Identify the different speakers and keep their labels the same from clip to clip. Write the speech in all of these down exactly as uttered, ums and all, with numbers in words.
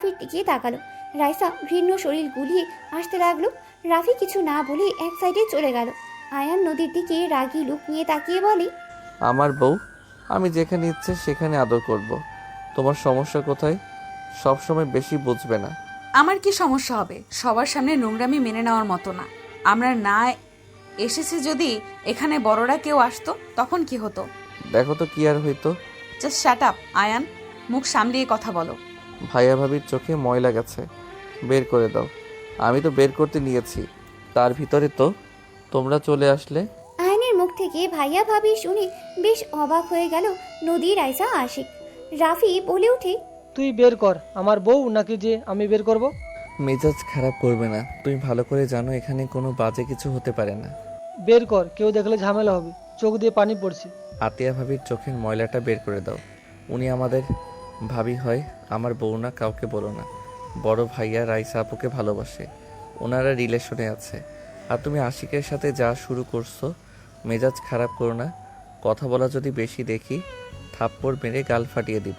Speaker 1: রাফির দিকে তাকালো। রাইসা ঘৃণ্য শরীর গুলিয়ে আসতে লাগলো। রাফি কিছু না বলে এক সাইডে চলে গেল। আয়ান নদীর দিকে রাগী লুক নিয়ে তাকিয়ে বলে,
Speaker 2: আমার বউ, আমি যেখানে ইচ্ছে সেখানে আদর করব। তোমার সমস্যা কোথায়? সব সময় বেশি বুঝবে না।
Speaker 3: আমার কি সমস্যা হবে? সবার সামনে নোংরামি মেনে নেওয়ার মতো না। আমরা না এসেছে যদি এখানে বড়রা কেউ আসতো তখন কি হতো?
Speaker 2: দেখো তো কি আর হইতো।
Speaker 3: জাস্ট শ্যাট আপ আয়ান, মুখ সামলিয়ে কথা বলো।
Speaker 2: ভাইয়া ভাবির চোখে ময়লা গেছে, বের করে দাও। আমি তো বের করতে নিয়েছি, তার ভিতরে তো তোমরা চলে আসলে।
Speaker 1: আয়নের মুখ থেকে ভাইয়া ভাবি শুনে বেশ অবাক হয়ে গেল নদী, রাইসা, আশিক। রাফি বলে ওঠে,
Speaker 4: তুই বের কর। আমার বউ নাকি যে আমি বের করব?
Speaker 2: মেজাজ খারাপ করবে না, তুমি ভালো করে জানো এখানে কোনো বাজে কিছু হতে পারে না।
Speaker 4: বের কর, কেউ দেখলে ঝামেলা হবে। চোখ দিয়ে পানি পড়ছে।
Speaker 2: আতিয়া ভাবির চোখের ময়লাটা বের করে দাও। উনি আমাদের ভাবি হয়, আমার বউ না, কাউকে বলো না। বড় ভাইয়া রাইসা আপুকে ভালোবাসে, ওনারা রিলেশনে আছে। আর তুমি আশিকের সাথে যা শুরু করছো, মেজাজ খারাপ করো না। কথা বলা যদি বেশি দেখি, থাপ্পড় মেরে গাল ফাটিয়ে দিব।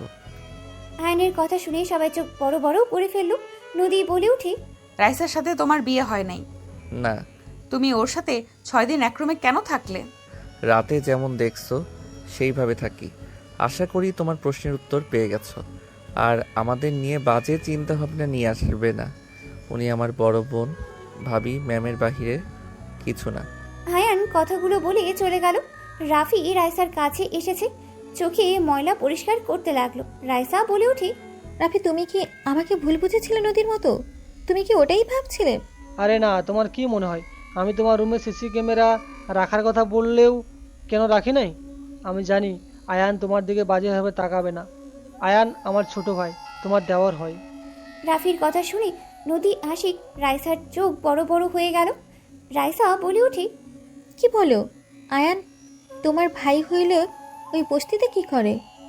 Speaker 1: আয়নের কথা শুনে সবাই চোখ বড় বড় করে ফেলল। নদী বলে ওঠে,
Speaker 3: রাইসার সাথে তোমার বিয়ে হয় নাই?
Speaker 2: না।
Speaker 3: তুমি ওর সাথে ছয় দিন এক রুমে কেন থাকলে?
Speaker 2: রাতে যেমন দেখছো সেইভাবে থাকি। আশা করি তোমার প্রশ্নের উত্তর পেয়ে গেছো। আর আমাদের নিয়ে বাজে চিন্তা ভাবনা নিয়ে আসবে না। উনি আমার বড় বোন, ভাবি, ম্যামের বাহিরে কিছু না।
Speaker 1: আয়ান কথাগুলো বলে চলে গেল। রাফি রাইসার কাছে এসেছে, চোখে ময়লা পরিষ্কার করতে লাগলো। রাইসা বলে ওঠে,
Speaker 5: রাফি, তুমি কি আমাকে ভুল বুঝেছিলে নদীর মতো? তুমি কি ওটাই ভাবছিলে?
Speaker 4: আরে না, তোমার কি মনে হয় আমি তোমার রুমে সিসি ক্যামেরা রাখার কথা বললেও কেন রাখি নাই? আমি জানি আয়ান তোমার দিকে বাজেভাবে তাকাবে না। আয়ান আমার ছোট ভাই, তোমার দেওয়ার হয়।
Speaker 1: রাফির কথা শুনে নদী, আশিক, রাইসার চোখ বড় বড় হয়ে গেল। রাইসা বলে ওঠে,
Speaker 5: কি বলো? আয়ান তোমার ভাই হইলে ওই বস্তিতে কি করে?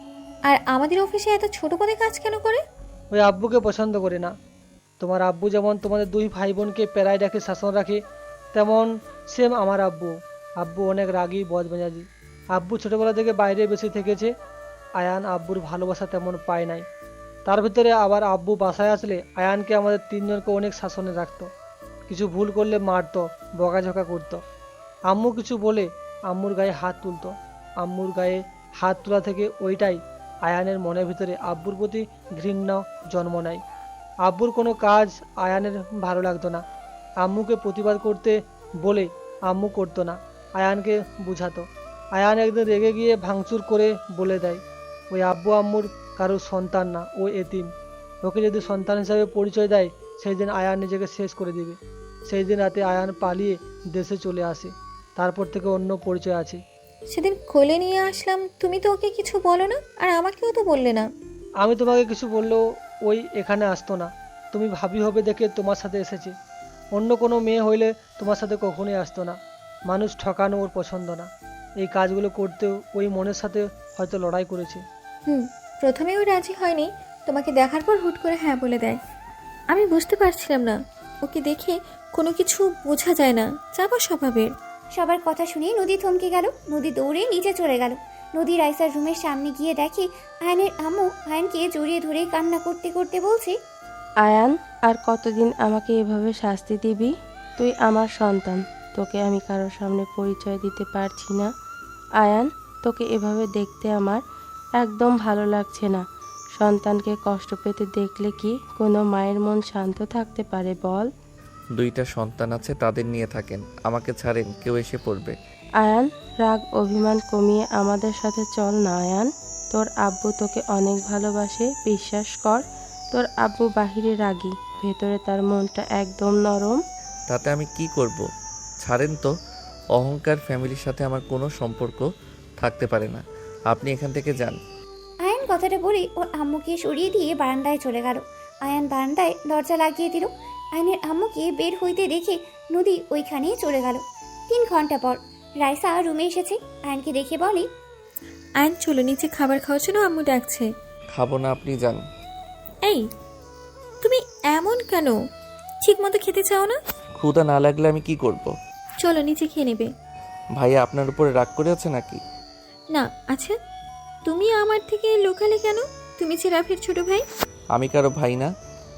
Speaker 5: আর আমাদের অফিসে এত ছোট পদে কাজ কেন করে?
Speaker 4: ওই আব্বুকে পছন্দ করে না। তোমার আব্বু যেমন তোমাদের দুই ভাই বোনকে পেরায় রাখে, শাসন রাখে, তেমন সেম আমার আব্বু। আব্বু অনেক রাগী, বদমেজাজি। আব্বু ছোটোবেলা থেকে বাইরে বেশি থেকেছে। আয়ান আব্বুর ভালোবাসা তেমন পায় নাই। তার ভিতরে আবার আব্বু বাসায় আসলে আয়ানকে আমাদের তিনজনকে অনেক শাসনে রাখতো। কিছু ভুল করলে মারতো, বকাঝকা করতো। আম্মু কিছু বলে আম্মুর গায়ে হাত তুলতো। আম্মুর গায়ে হাত তোলা থেকে ওইটাই আয়ানের মনের ভিতরে আব্বুর প্রতি ঘৃণা জন্ম নেয়। আব্বুর কোনো কাজ আয়ানের ভালো লাগতো না। আম্মুকে প্রতিবাদ করতে বলে আম্মু করতো না, আয়ানকে বুঝাতো। আয়ান একদিন রেগে গিয়ে ভাঙচুর করে বলে দেয়, ওই আব্বু আম্মুর কারোর সন্তান না, ও এতিম। ওকে যদি সন্তান হিসাবে পরিচয় দেয়, সেই দিন আয়ান নিজেকে শেষ করে দিবে। সেই দিন রাতে আয়ান পালিয়ে দেশে চলে আসে। তারপর থেকে অন্য পরিচয় আছে।
Speaker 5: সেদিন কোলে নিয়ে আসলাম, তুমি তো ওকে কিছু বলো না, আর আমাকেও তো বললে না।
Speaker 4: আমি তোমাকে কিছু বললেও ওই এখানে আসতো না। তুমি ভাবি হবে দেখে তোমার সাথে এসেছে। অন্য কোনো মেয়ে হইলে তোমার সাথে কখনোই আসতো না। মানুষ ঠকানো ওর পছন্দ না। এই কাজগুলো করতেও ওই মনের সাথে হয়তো লড়াই করেছে।
Speaker 5: হুম, প্রথমেও রাজি হয়নি, তোমাকে দেখার পর হুট করে হ্যাঁ বলে দেয়। আমি বুঝতে পারছিলাম না, ওকে দেখে কোনো কিছু বোঝা যায় না, চাপা স্বভাবের।
Speaker 1: সবার কথা শুনে নদী থমকে গেল। নদী দৌড়ে নিচে চলে গেল। নদী রাইসার রুমের সামনে গিয়ে দেখে আয়নের আম্মু আয়নকে জড়িয়ে ধরে কান্না করতে করতে বলছে,
Speaker 6: আয়ান, আর কতদিন আমাকে এভাবে শাস্তি দিবি? তুই আমার সন্তান, তোকে আমি কারোর সামনে পরিচয় দিতে পারছি না। আয়ান, তোকে এভাবে দেখতে আমার একদম ভালো লাগছে না। সন্তানকে কষ্ট পেতে দেখলে কি কোনো মায়ের মন শান্ত থাকতে পারে বল?
Speaker 2: দুইটা সন্তান আছে, তাদের নিয়ে থাকেন, আমাকে ছাড়েন, কেউ এসে পড়বে।
Speaker 6: আয়ান, রাগ অভিমান কমিয়ে আমাদের সাথে চল না আয়ান। তোর আব্বু তোকে অনেক ভালোবাসে, বিশ্বাস কর। তোর আব্বু বাহিরে রাগী, ভেতরে তার মনটা একদম নরম।
Speaker 2: তাতে আমি কি করব? ছাড়েন তো। অহংকার ফ্যামিলির সাথে আমার কোনো সম্পর্ক থাকতে পারে না। আপনি এখান থেকে যান।
Speaker 1: আয়ান কথাটা বলে ওর আম্মুকে সরিয়ে দিয়ে বারান্দায় চলে গেল। আয়ান বারান্দায় দরজা লাগিয়ে দিল। আয়নের আম্মুকে বের হইতে দেখে নদী ওইখানেই চলে গেল। তিন ঘন্টা পর রাইসা রুমে এসেছে। আয়নকে দেখে বলে,
Speaker 5: আয়ন চলো নিচে খাবার খাওয়ার জন্য আম্মু ডাকছে।
Speaker 2: খাবো না, আপনি যান।
Speaker 5: এই, তুমি এমন কেন? ঠিক মতো খেতে চাও না?
Speaker 2: ক্ষুধা না লাগলে আমি কি করব?
Speaker 5: চলো নিচে খেয়ে নেবে।
Speaker 2: ভাইয়া আপনার উপরে রাগ করে আছে নাকি?
Speaker 5: না। আচ্ছা, তুমি আমার থেকে লুকালে কেন? তুমি যে রাফির ছোট ভাই।
Speaker 2: আমি কারো ভাই না,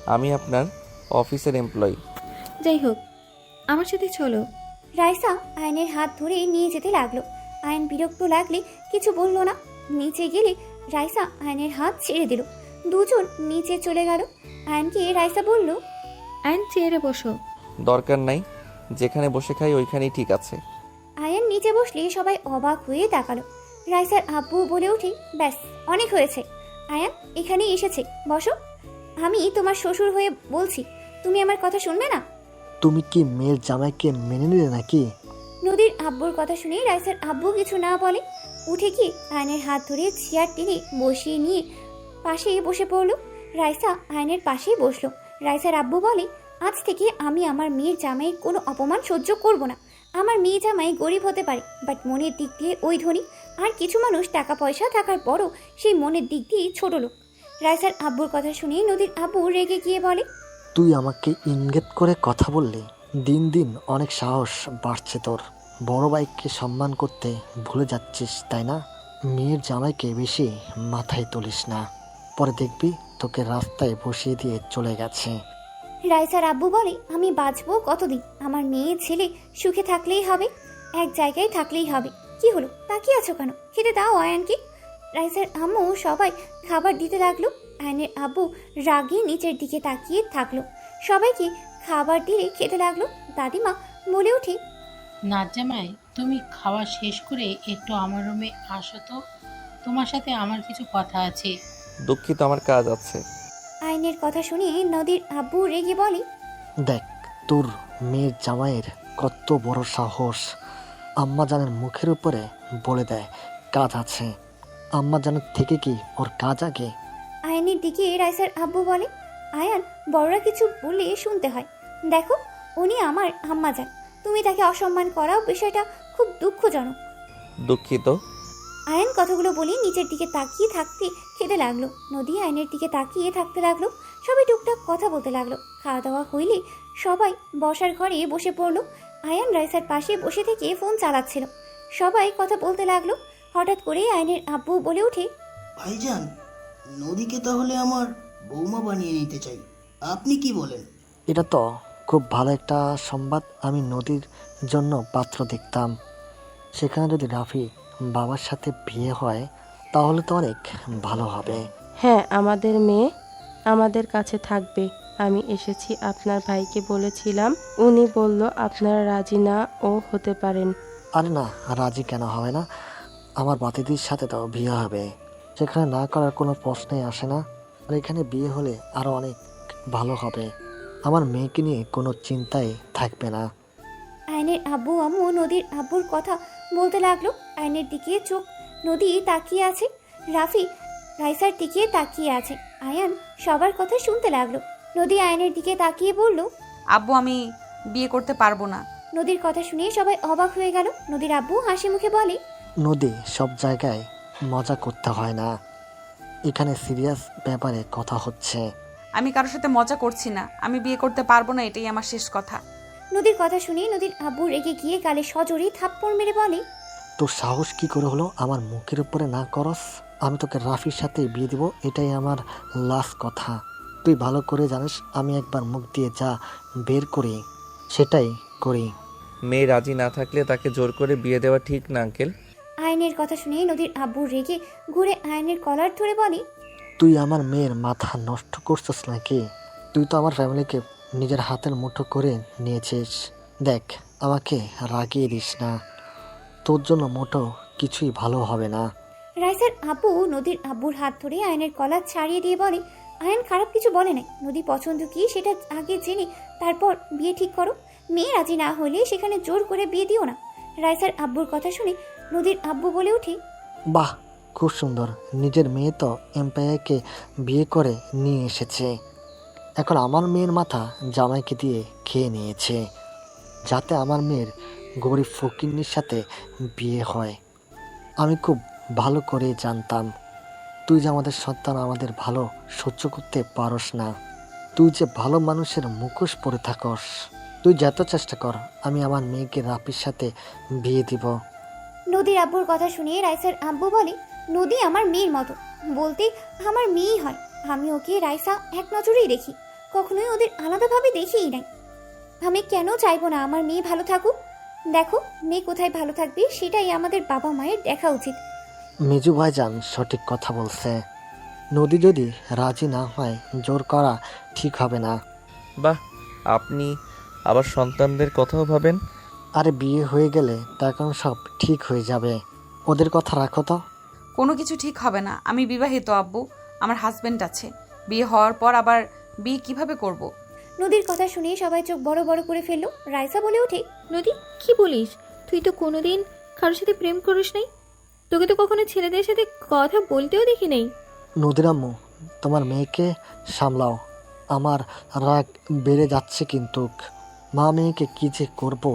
Speaker 2: আমি আপনার অফিসের এমপ্লয়ি।
Speaker 5: যাই হোক, আমার সাথে চলো।
Speaker 1: রাইসা আয়নের হাত ধরে নিয়ে যেতে লাগলো। আয়ন বিরক্ত লাগলে কিছু বলল না। নিচে গেলে রাইসা আয়নের হাত ছেড়ে দিল। দুজন নিচে চলে গেল। আয়নকে রাইসা বলল,
Speaker 5: অ্যান্ড চেয়ারে বসো।
Speaker 2: দরকার নাই, যেখানে বসে খাই ওইখানেই ঠিক আছে।
Speaker 1: আয়ন নিচে বসলে সবাই অবাক হয়ে তাকালো। রাইসার আব্বু বলে উঠে, ব্যাস অনেক হয়েছে, আয়ান এখানেই এসেছে, বসো। আমি তোমার শ্বশুর হয়ে বলছি, তুমি আমার কথা শুনবে না?
Speaker 7: তুমি কি মেয়ের জামাইকে মেনে নিলে নাকি?
Speaker 1: নদীর আব্বুর কথা শুনে রাইসার আব্বু কিছু না বলে উঠে গিয়ে আয়নের হাত ধরে চেয়ার টেনে বসিয়ে নিয়ে পাশে বসে পড়লো। রাইসা আয়নের পাশেই বসলো। রাইসার আব্বু বলে, আজ থেকে আমি আমার মেয়ের জামাইয়ের কোনো অপমান সহ্য করব না। আমার মেয়ে জামাই গরিব হতে পারে, বাট মনের দিক দিয়ে ওই ধনী। আর কিছু মানুষ টাকা পয়সা থাকার পরও সেই মনের দিক দিয়ে ছোট লোক। রাইসার আব্বুর কথা শুনে নদীর আব্বু রেগে গিয়ে বলে,
Speaker 7: তুই আমাকে ইঙ্গিত করে কথা বললি। দিন দিন অনেক সাহস বাড়ছে তোর। বড় ভাইকে সম্মান করতে ভুলে যাচ্ছিস তাই না? মেয়ের জামাইকে বেশি মাথায় তুলিস না, পরে দেখবি তোকে রাস্তায় বসিয়ে দিয়ে চলে গেছে।
Speaker 1: রাইসার আব্বু বলে, আমি বাঁচবো কতদিন? আমার মেয়ে ছেলে সুখে থাকলেই হবে, এক জায়গায় থাকলেই হবে। কি হলো, তাকিয়ে আছো কেন? খেতে দাও আয়ানকে। রাইসার আম্মু সবাই খাবার দিতে লাগলো। আয়নের আব্বু রাগে নিচের দিকে তাকিয়ে থাকলো। সবাইকে খাবার দিয়ে খেতে লাগলো। দাদিমা বলে ওঠে,
Speaker 8: নাচ জামাই, তুমি খাওয়া শেষ করে একটু আমার রুমে আসো তো, তোমার সাথে আমার কিছু কথা আছে।
Speaker 2: দুঃখিত, আমার কাজ আছে।
Speaker 1: আয়নের কথা শুনে নদীর আব্বু রেগে বলে,
Speaker 7: দেখ তোর মেয়ের জামাইয়ের কত বড় সাহস। আম্মা জানের মুখের উপরে বলে দেয় কাজ আছে। আম্মা জানের থেকে কি ওর কাজ আগে?
Speaker 1: আয়নের দিকে রাইসার আব্বু বলে, আয়ান বড়রা কিছু বললে শুনতে হয়। দেখো, উনি আমার আম্মা যান, তুমি তাকে অসম্মান করাও বিষয়টা খুব দুঃখজনক।
Speaker 2: দুঃখিত।
Speaker 1: আয়ন কথাগুলো বলে নিচের দিকে তাকিয়ে থাকতে খেতে লাগলো। নদী আয়নের দিকে তাকিয়ে থাকতে লাগলো। সবাই টুকটাক কথা বলতে লাগলো। খাওয়া দাওয়া হইলে সবাই বসার ঘরে বসে পড়লো। আয়ান রাইসার পাশে বসে থেকে ফোন চালাচ্ছিল। সবাই কথা বলতে লাগলো। হঠাৎ করে আয়নের আব্বু বলে ওঠে,
Speaker 9: ভাইজান, নদীকে তাহলে আমার বৌমা বানিয়ে নিতে চাই, আপনি কি বলেন?
Speaker 7: এটা তো খুব ভালো একটা সংবাদ। আমি নদীর জন্য পাত্র দেখতাম। সেখানে যদি রাফি বাবার সাথে বিয়ে হয় তাহলে তো অনেক ভালো হবে।
Speaker 6: হ্যাঁ, আমাদের মেয়ে আমাদের কাছে থাকবে। আমি এসেছি আপনার ভাইকে বলেছিলাম, উনি বলল আপনারা রাজি না ও হতে পারেন।
Speaker 7: আরে না, রাজি কেন হবে না? আমার বাতিদির সাথে তো বিয়ে হবে, সেখানে না করার কোনো প্রশ্নই আসে না। আর এখানে বিয়ে হলে আরও অনেক ভালো হবে। আমার মেয়েকে নিয়ে কোনো চিন্তাই থাকবে না।
Speaker 1: আয়নের আব্বু আম্মু নদীর আব্বুর কথা বলতে লাগলো। আয়নের দিকে চোখ নদী তাকিয়ে আছে, রাফি রাইসার দিকে তাকিয়ে আছে। আয়ান সবার কথা শুনতে লাগলো। নদী আয়নের দিকে তাকিয়ে বলল,
Speaker 3: আব্বু, আমি বিয়ে করতে পারবো না।
Speaker 1: নদীর কথা শুনে সবাই অবাক হয়ে গেল। নদীর আব্বু হাসি মুখে বলে,
Speaker 7: নদী, সব জায়গায় মজা করতে হয় না, এখানে সিরিয়াস ব্যাপারে কথা হচ্ছে।
Speaker 3: আমি কারোর সাথে মজা করছি না। আমি বিয়ে করতে পারবো না, এটাই আমার শেষ কথা।
Speaker 1: নদীর কথা শুনে নদীর আব্বু রেগে গিয়ে গালে সজোরে থাপ্পড় মেরে বলে,
Speaker 7: তোর সাহস কি করে হলো আমার মুখের উপরে না করস? আমি তোকে রাফির সাথে বিয়ে দিব, এটাই আমার লাস্ট কথা। তুই ভালো করে জানিস আমি একবার মুখ দিয়ে যা বের করি সেটাই করি।
Speaker 2: মেয়ে রাজি না থাকলে তাকে জোর করে বিয়ে দেওয়া ঠিক না আঙ্কেল।
Speaker 1: আয়নের কথা শুনে নদীর আব্বু রেগে ঘুরে আয়নের কলার ধরে বলে,
Speaker 7: তুই আমার মেয়ের মাথা নষ্ট করছিস নাকি? তুই তো আমার ফ্যামিলিকে নিজের হাতের মুঠো করে নিয়েছিস। দেখ, আমাকে রাগিয়ে দিস না, তোর জন্য মোটো কিছুই ভালো হবে না।
Speaker 1: রাইসার আব্বু নদীর আব্বুর হাত ধরে আয়নের কলার ছাড়িয়ে দিয়ে বলে, আয়ন খারাপ কিছু বলে নাই, নদী পছন্দ কি সেটা আগে জেনে তারপর বিয়ে ঠিক করো। মেয়ে রাজি না হলে সেখানে জোর করে বিয়ে দিও না। রাইসার আব্বুর কথা শুনে নদীর আব্বু বলে ওঠে,
Speaker 7: বাহ, খুব সুন্দর। নিজের মেয়ে তো এম্পায়ারকে বিয়ে করে নিয়ে এসেছে, এখন আমার মেয়ের মাথা জামাইকে দিয়ে খেয়ে নিয়েছে, যাতে আমার মেয়ের গরিব ফকিন্নির সাথে বিয়ে হয়। আমি খুব ভালো করে জানতাম তুই যে আমাদের সন্তান আমাদের ভালো সহ্য করতে পারস না। তুই যে ভালো মানুষের মুখোশ পরে থাকস। তুই যত চেষ্টা কর, আমি আমার মেয়েকে রাফির সাথে বিয়ে দিব।
Speaker 1: নদীর আব্বুর কথা শুনে রাইসার আব্বু বলে, নদী আমার মেয়ের মতো, বলতে আমার মেয়েই হয়। আমি ওকে রাইসা এক নজরেই দেখি। কখনোই ওদের আলাদাভাবে দেখিই নাই। আমি কেন চাইবো না আমার মেয়ে ভালো থাকুক? দেখো, মেয়ে কোথায় ভালো থাকবে সেটাই আমাদের বাবা মায়ের দেখা উচিত।
Speaker 7: মিজু ভাইজান সঠিক কথা বলছে। নদী যদি রাজি না হয় জোর করা ঠিক হবে না।
Speaker 2: বাহ, আপনি আবার সন্তানদের কথাও ভাবেন।
Speaker 7: আরে বিয়ে হয়ে গেলে তখন সব ঠিক হয়ে যাবে। ওদের কথা রাখো তো।
Speaker 3: কোনো কিছু ঠিক হবে না। আমি বিবাহিত আব্বু, আমার হাজবেন্ড আছে। বিয়ে হওয়ার পর আবার বিয়ে কিভাবে করব।
Speaker 1: নদীর কথা শুনে সবাই চোখ বড় বড় করে ফেললো। রাইসা বলে ওঠে,
Speaker 5: নদী কি বলিস? তুই তো কোনোদিন কারোর সাথে প্রেম করিস নাই, তোকে তো কখনো ছেলেদের সাথে কথা বলতেও দেখি নাই।
Speaker 7: নদীর আম্মু, তোমার মেয়েকে সামলাও। আমার রাগ বেড়ে যাচ্ছে কিন্তু। মা মেয়েকে কি যে করবো।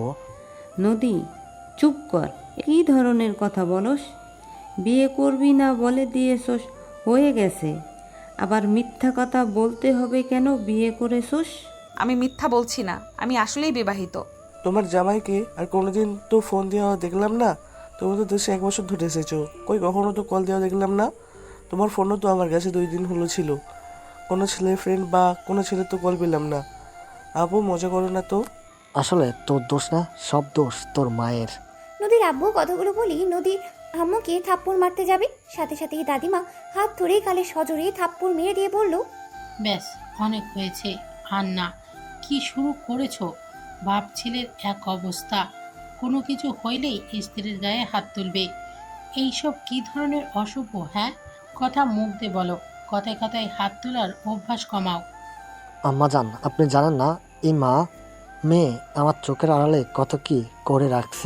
Speaker 10: নদী চুপ কর, কী ধরনের কথা বলস? বিয়ে করবি না বলে দিয়েছস, হয়ে গেছে। আবার মিথ্যা কথা বলতে হবে কেন? বিয়ে করেছস।
Speaker 3: আমি মিথ্যা বলছি না, আমি আসলেই বিবাহিত।
Speaker 11: তোমার জামাইকে আর কোনোদিন তো ফোন দেওয়া দেখলাম না। তুমি তো দেশে এক বছর ধরে এসেছো, কই কখনো তো কল দেওয়া দেখলাম না। তোমার ফোনও তো আমার কাছে দুই দিন হলো ছিল, কোনো ছেলে ফ্রেন্ড বা কোনো ছেলে তো কল পেলাম না। আপু মজা করো না তো।
Speaker 7: আসলে তোর দোষ না, সব দোষ তোর মায়ের।
Speaker 1: নদীর আব্বু কথাগুলো বলি নদীর আম্মুকে থাপ্পড় মারতে যাবে, সাথে সাথেই দাদিমা হাত ধরে গালে সজোরে থাপ্পড় মেরে দিয়ে বলল,
Speaker 8: ব্যাস, অনেক হয়েছে। আর না, কি শুরু করেছো? বাপ ছেলের এক অবস্থা, কোনো কিছু হইলেই স্ত্রীর গায়ে হাত তুলবে। এইসব কি ধরনের অশুভ? হ্যাঁ, কথা মুখ দিয়ে বলো, কথায় কথায় হাত তোলার অভ্যাস কমাও।
Speaker 7: আম্মা জান, আপনি জানেন না এই মা মেয়ে আমার চোখের আড়ালে কত কি করে রাখছে।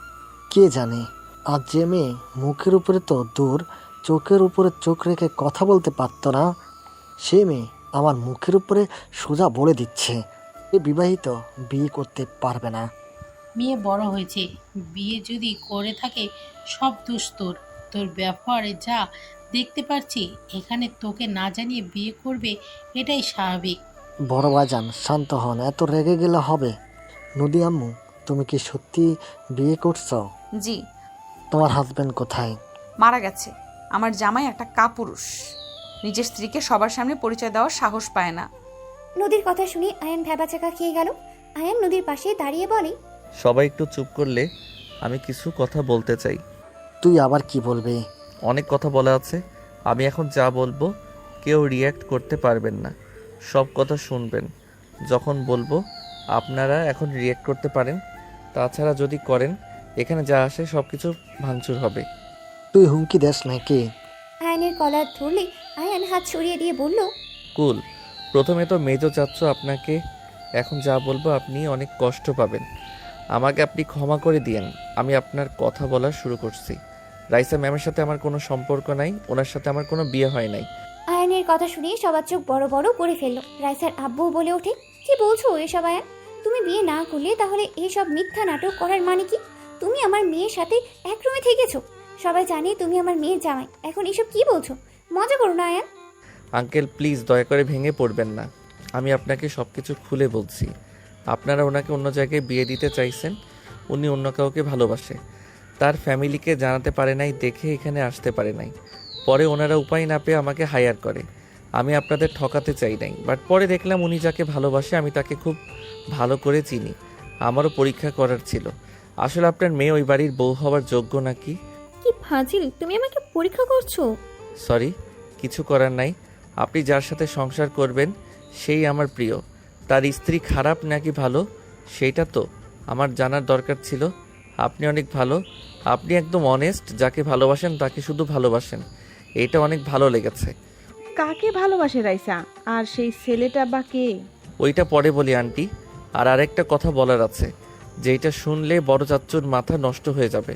Speaker 7: কে জানে, আর যে মেয়ে মুখের উপরে তো দূর, চোখের উপরে চোখ রেখে কথা বলতে পারতো না, সে মেয়ে আমার মুখের উপরে সোজা বলে দিচ্ছে এ বিবাহিত, বিয়ে করতে পারবে না।
Speaker 8: মেয়ে বড় হয়েছে, বিয়ে যদি করে থাকে সব দোষ তোর। তোর ব্যবহারে যা দেখতে পারছি, এখানে তোকে না জানিয়ে বিয়ে করবে, এটাই স্বাভাবিক।
Speaker 7: বড় ভাইজান শান্ত হন, এত রেগে গেলে হবে। নদী আম্মু, তুমি কি সত্যি বিয়ে করছো?
Speaker 3: জি।
Speaker 7: তোমার হাজবেন্ড কোথায়?
Speaker 3: মারা গেছে। আমার জামাই একটা কাপুরুষ, নিজের স্ত্রীকে সবার সামনে পরিচয় দেওয়ার সাহস পায় না।
Speaker 1: নদীর কথা শুনে আয়ান ভ্যাবাচাকা খেয়ে গেল। আয়ান নদীর পাশে দাঁড়িয়ে বলে,
Speaker 2: সবাই একটু চুপ করলে আমি কিছু কথা বলতে চাই।
Speaker 7: তুই আবার কি বলবি?
Speaker 2: অনেক কথা বলা আছে, আমি এখন যা বলবো কেউ রিয়্যাক্ট করতে পারবেন না, সব কথা শুনবেন। যখন বলবো আপনারা এখন রিয়্যাক্ট করতে পারেন, তাছাড়া যদি করেন এখানে যা আসে সব কিছু ভাঙচুর হবে।
Speaker 7: তুই হুমকি দেস নাকি?
Speaker 1: আয়ানের কলার ধরলে আয়ান হাত সরিয়ে দিয়ে বলল,
Speaker 2: কুল, প্রথমে তো মেজো চাচ্ছ, আপনাকে এখন যা বলবো আপনি অনেক কষ্ট পাবেন, আমাকে আপনি ক্ষমা করে দিয়েন। আমি আপনার কথা বলা শুরু করছি। রাইসা ম্যামের সাথে আমার কোনো সম্পর্ক নাই, ওনার সাথে আমার কোনো বিয়ে হয় নাই।
Speaker 1: আয়ানের কথা শুনে সবার চোখ বড় বড় করে ফেললো। রাইসার আব্বু বলে ওঠে, কি বলছো এসব আয়ান? তুমি বিয়ে না করলে তাহলে এসব মিথ্যা নাটক করার মানে কি? তুমি আমার মেয়ের সাথে এক রুমে থেকেছো, সবাই জানে তুমি আমার মেয়ের জামাই, এখন এসব কি বলছো? মজা করো না আয়ান।
Speaker 2: আঙ্কেল প্লিজ দয়া করে ভেঙে পড়বেন না, আমি আপনাকে সব কিছু খুলে বলছি। আপনারা ওনাকে অন্য জায়গায় বিয়ে দিতে চাইছেন, উনি অন্য কাউকে ভালোবাসে, তার ফ্যামিলিকে জানাতে পারে নাই দেখে এখানে আসতে পারে নাই। পরে ওনারা উপায় না পেয়ে আমাকে হায়ার করে। আমি আপনাদের ঠকাতে চাই নাই, বাট পরে দেখলাম উনি যাকে ভালোবাসে আমি তাকে খুব ভালো করে চিনি, আমারও পরীক্ষা করার ছিল আসলে আপনার মেয়ে ওই বাড়ির বউ হওয়ার যোগ্য নাকি।
Speaker 5: কি ফাজিল, তুমি আমাকে পরীক্ষা করছো?
Speaker 2: সরি, কিছু করার নাই। আপনি যার সাথে সংসার করবেন সেই আমার প্রিয়, তার স্ত্রী খারাপ নাকি ভালো সেইটা তো আমার জানার দরকার ছিল। আপনি অনেক ভালো, আপনি একদম অনেস্ট, যাকে ভালোবাসেন তাকে শুধু ভালোবাসেন, এটা অনেক ভালো লেগেছে।
Speaker 12: কাকে ভালোবাসে রাইসা? আর সেই ছেলেটা বা কে?
Speaker 2: ওইটা পরে বলি আন্টি। আর আরেকটা কথা বলার আছে, যেটা শুনলে বড় চাচ্চুর মাথা নষ্ট হয়ে যাবে,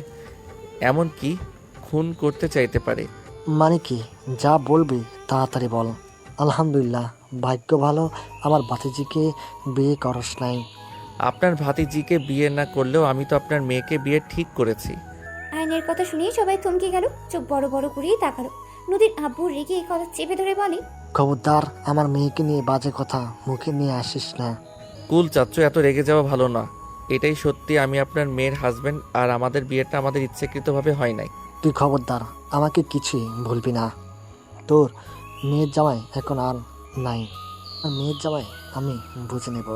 Speaker 2: এমন কি খুন করতে চাইতে পারে।
Speaker 7: মানে কি? যা বলবি তাড়াতাড়ি বল। আলহামদুলিল্লাহ, ভাগ্য ভালো আমার ভাতিজিকে বিয়ে করস নাই।
Speaker 2: আপনার ভাতিজিকে বিয়ে না করলেও আমি তো আপনার মেয়েকে বিয়ে ঠিক করেছি।
Speaker 1: আয়নের কথা শুনে সবাই থমকে গেল, চোখ বড় বড় করেই তাকালো। নদীর আব্বু রেগে এই কথা চেপে ধরে বলে,
Speaker 7: খবরদার আমার মেয়েকে নিয়ে বাজে কথা মুখে নিয়ে আসিস না।
Speaker 2: কুল চাচ্চু, এত রেগে যাওয়া ভালো না। এটাই সত্যি, আমি আপনার মেয়ের হাজবেন্ড, আর আমাদের বিয়েটা আমাদের ইচ্ছাকৃতভাবে হয় নাই।
Speaker 7: তুই খবরদার আমাকে কিছুই বলবি না। তোর মেয়ের জামাই এখন আর নাই। আর মেয়ের জামাই আমি বুঝে নেব।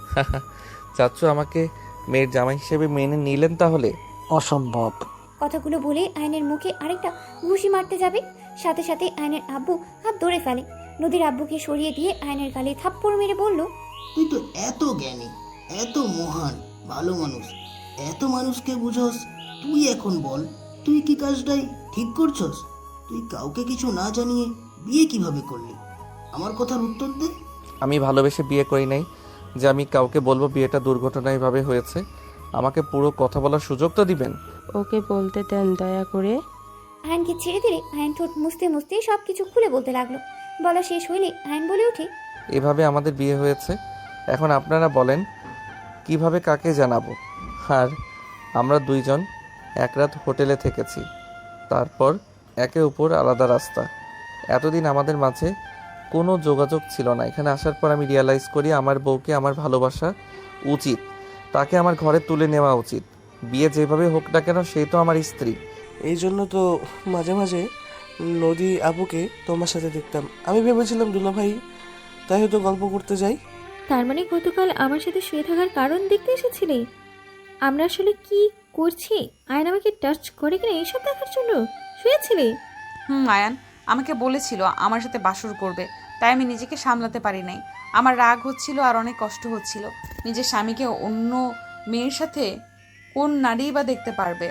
Speaker 2: চাচ্চু আমাকে মেয়ের জামাই হিসেবে মেনে নিলেন তাহলে?
Speaker 7: অসম্ভব।
Speaker 1: কথাগুলো বলে আয়নের মুখে আরেকটা ঘুষি মারতে যাবে, সাথে সাথে আয়নের আব্বু হাত ধরে ফেলে। নদীর আব্বুকে সরিয়ে দিয়ে আয়নের গালে থাপ্পড় মেরে বলল,
Speaker 9: তুই তো এত জ্ঞানী, এত মহান, ভালো মানুষ, এত মানুষকে বুঝোস, তুই এখন বল তুই কি কাজটাই ঠিক করছস? তুই কাউকে কিছু না জানিয়ে বিয়ে কিভাবে করলি? আমার কথার উত্তর দে।
Speaker 2: আমি ভালোবেসে বিয়ে করি নাই যে আমি কাউকে বলবো বিয়েটা দুর্ঘটনায়ভাবে হয়েছে। আমাকে পুরো কথা বলার সুযোগ তো দিবেন।
Speaker 6: ওকে বলতে দেন দয়া করে।
Speaker 1: আয়নকে ছেড়ে দিলে আয়ন ঠোঁট মুছতে মুছতে সব কিছু খুলে বলতে লাগলো। বলা শেষ হইলে আয়ন বলে ওঠে,
Speaker 2: এভাবে আমাদের বিয়ে হয়েছে। এখন আপনারা বলেন কিভাবে কাকে জানাবো? আর আমরা দুইজন এক রাত হোটেলে থেকেছি, তারপর একে অপর আলাদা রাস্তা। এতদিন আমাদের মাঝে কোনো যোগাযোগ ছিল না। এখানে আসার পর আমি রিয়ালাইজ করি আমার বউকে আমার ভালোবাসা উচিত, তাকে আমার ঘরে তুলে নেওয়া উচিত। বিয়ে যেভাবে হোক না কেন, সেই তো আমার স্ত্রী।
Speaker 11: এই জন্য তো মাঝে মাঝে নদী আপুকে তোমার সাথে দেখতাম। আমি ভেবেছিলাম দুলাভাই, তাই হয়তো গল্প করতে যাই।
Speaker 5: তার মানে গতকাল আমার সাথে শুয়ে থাকার কারণ দেখতে এসেছিলে? আমরা আসলে কি করছি, আয়ন আমাকে টাচ করে কিনা এইসব দেখার জন্য শুয়েছিলে?
Speaker 3: হুম, আয়ান আমাকে বলেছিল আমার সাথে বাসর করবে, তাই আমি নিজেকে সামলাতে পারি নাই। আমার রাগ হচ্ছিল আর অনেক কষ্ট হচ্ছিল। নিজের স্বামীকে অন্য মেয়ের সাথে কোন নারী বা দেখতে পারবে,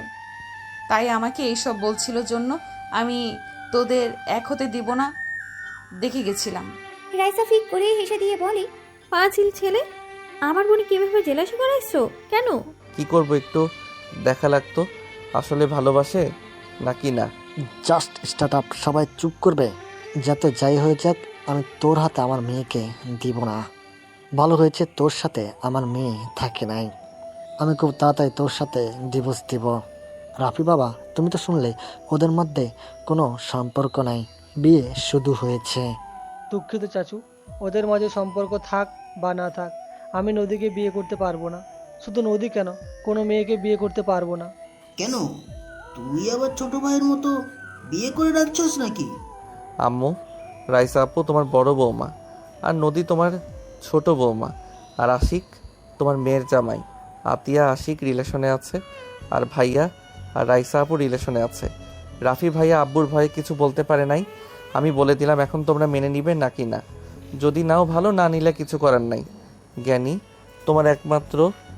Speaker 3: তাই আমাকে এইসব বলছিল জন্য আমি তোদের এক হতে দিব না দেখে গেছিলাম।
Speaker 1: রাইসা ফিক করে হেসে দিয়ে বলে,
Speaker 5: পাঁচিল ছেলে, আমার বোনে কিভাবে জেলাসি করাইছো কেন?
Speaker 2: কি করব, একটু দেখা লাগতো আসলে ভালোবাসে নাকি না।
Speaker 7: Just startup. সবাই চুপ করবে। যাতে যাই হয়ে যাক, আমি তোর হাতে আমার মেয়েকে দিব না। ভালো হয়েছে তোর সাথে আমার মেয়ে থাকে নাই। আমি খুব তাড়াতাড়ি তোর সাথে ডিভোর্স দিব। রাফি বাবা, তুমি তো শুনলে ওদের মধ্যে কোনো সম্পর্ক নাই, বিয়ে শুধু হয়েছে।
Speaker 4: দুঃখিত চাচু, ওদের মাঝে সম্পর্ক থাক বা না থাক, আমি নদীকে বিয়ে করতে পারবো না। শুধু নদী কেন, কোনো মেয়েকে বিয়ে করতে পারবো না।
Speaker 9: কেন, তুই আবার ছোট ভাইয়ের মতো বিয়ে করে রাখছস নাকি?
Speaker 2: আম্মু, রাইসা আপু তোমার বড় বৌমা, আর নদী তোমার ছোট বৌমা, আর আশিক তোমার মেয়ের জামাই। আতিয়া আশিক রিলেশনে আছে, আর ভাইয়া আর রাইসা আপু রিলেশনে আছে। রাফি ভাইয়া আব্বুর ভয়ে কিছু বলতে পারে নাই। আমি বলে দিলাম, এখন তোমরা মেনে নিবে নাকি না। যদি নাও ভালো, না নিলে কিছু করার নাই। জ্ঞানী, তোমার একমাত্র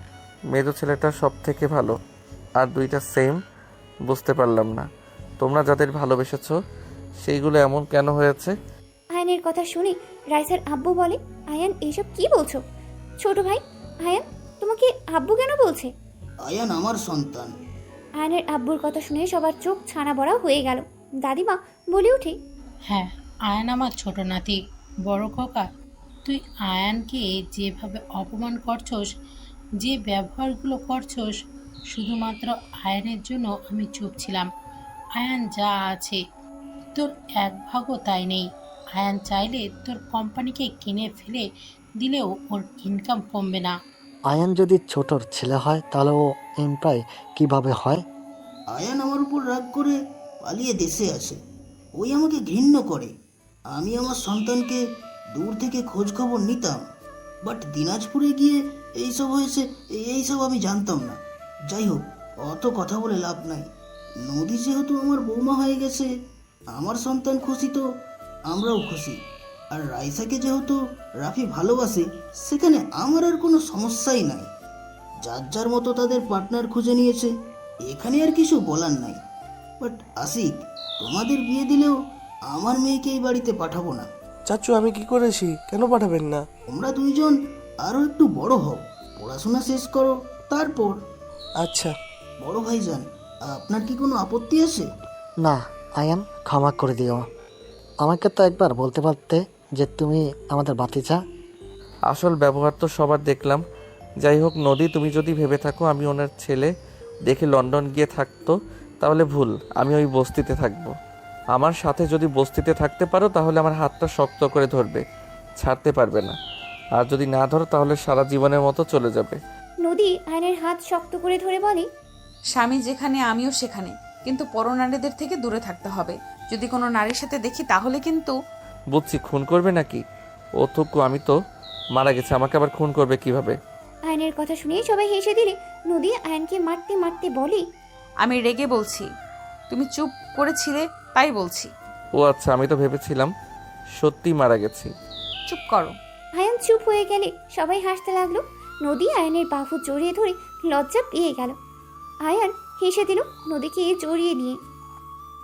Speaker 2: মেজো ছেলেটা সব থেকে ভালো, আর দুইটা সেম। বুঝতে পারলাম না তোমরা যাদের ভালোবেসেছো সেইগুলো এমন কেন হয়েছে।
Speaker 1: আয়নের কথা শুনে রাইসার আব্বু বলে, আয়ান এইসব কি বলছো? ছোট ভাই, আয়ান তোমাকে আব্বু কেন বলছে?
Speaker 9: আয়ান আমার সন্তান।
Speaker 1: আয়নের আব্বুর কথা শুনে সবার চোখ ছানা বড়া হয়ে গেল। দাদিমা বলে ওঠে,
Speaker 8: হ্যাঁ, আয়ান আমার ছোট নাতি, বড় খোকা। তুই আয়ানকে যেভাবে অপমান করছস, যে ব্যবহারগুলো করছস, শুধুমাত্র আয়ানের জন্য আমি চুপ ছিলাম। আয়ান যা আছে তোর এক ভাগও তাই নেই। আয়ান চাইলে তোর কোম্পানিকে কিনে ফেলে দিলেও ওর ইনকাম কমবে না।
Speaker 7: আয়ান যদি ছোটর ছেলে হয়, তাহলে ও এমপ্লয় কিভাবে হয়?
Speaker 9: আয়ান আমার উপর রাগ করে পালিয়ে দেশে আসে। ওই আমাকে ঘৃণ্য করে। আমি আমার সন্তানকে দূর থেকে খোঁজ খবর নিতাম, বাট দিনাজপুরে গিয়ে এইসব হয়েছে এইসব আমি জানতাম না। যাই হোক, অত কথা বলে লাভ নাই। নদী যেহেতু আমার বৌমা হয়ে গেছে, আমার সন্তান খুশি তো আমরাও খুশি। আর রাইসাকে যেহেতু রাফি ভালোবাসে, সেখানে আমার আর কোনো সমস্যাই নাই। যার যার মতো তাদের পার্টনার খুঁজে নিয়েছে, এখানে আর কিছু বলার নাই। বাট আশিক, তোমাদের বিয়ে দিলেও আমার মেয়েকে এই বাড়িতে পাঠাবো না।
Speaker 11: চাচু, আমি কি করেছি? কেন পাঠাবেন না?
Speaker 9: তোমরা দুইজন আরো একটু বড় হও, পড়াশোনা শেষ করো, তারপর।
Speaker 11: আচ্ছা।
Speaker 9: বড় ভাইজান, আপনার কি কোনো আপত্তি আছে?
Speaker 7: না আয়ান, ক্ষমা করে দিও। আমাকে তো একবার বলতে পারতে যে তুমি আমাদের বাতিজা।
Speaker 2: আসল ব্যবহার তো সবার দেখলাম। যাই হোক নদী, তুমি যদি ভেবে থাকো আমি ওনার ছেলে দেখে লন্ডন গিয়ে থাকতো, তাহলে ভুল। আমি ওই বস্তিতে থাকবো। আমার সাথে যদি বস্তিতে থাকতে পারো, তাহলে আমার হাতটা শক্ত করে ধরবে, ছাড়তে পারবে না। আর যদি না ধরো, তাহলে সারা জীবনের মতো চলে যাবে।
Speaker 1: নদী আয়নের হাত শক্ত করে ধরে বলে,
Speaker 3: স্বামী যেখানে আমিও সেখানে, কিন্তু পরনারীদের থেকে দূরে থাকতে হবে। যদি কোনো নারীর সাথে দেখি তাহলে কিন্তু।
Speaker 2: বুঝছি, খুন করবে নাকি? ও থুকু, আমি তো মারা গেছে, আমাকে আবার খুন করবে কিভাবে?
Speaker 1: আয়নের কথা শুনে সবাই হেসে দিলে নদী আয়নকে মারতে মারতে বলে,
Speaker 3: আমি রেগে বলছি, তুমি চুপ করেছিলে তাই বলছি।
Speaker 2: ও আচ্ছা, আমি তো ভেবেছিলাম সত্যি মারা গেছি।
Speaker 3: চুপ করো।
Speaker 1: আয়ন চুপ হয়ে গেলে সবাই হাসতে লাগলো। নদী আয়নের বাহু জড়িয়ে ধরে লজ্জা পেয়ে গেল। আয়ান হেসে দিল নদীকে জড়িয়ে নিয়ে।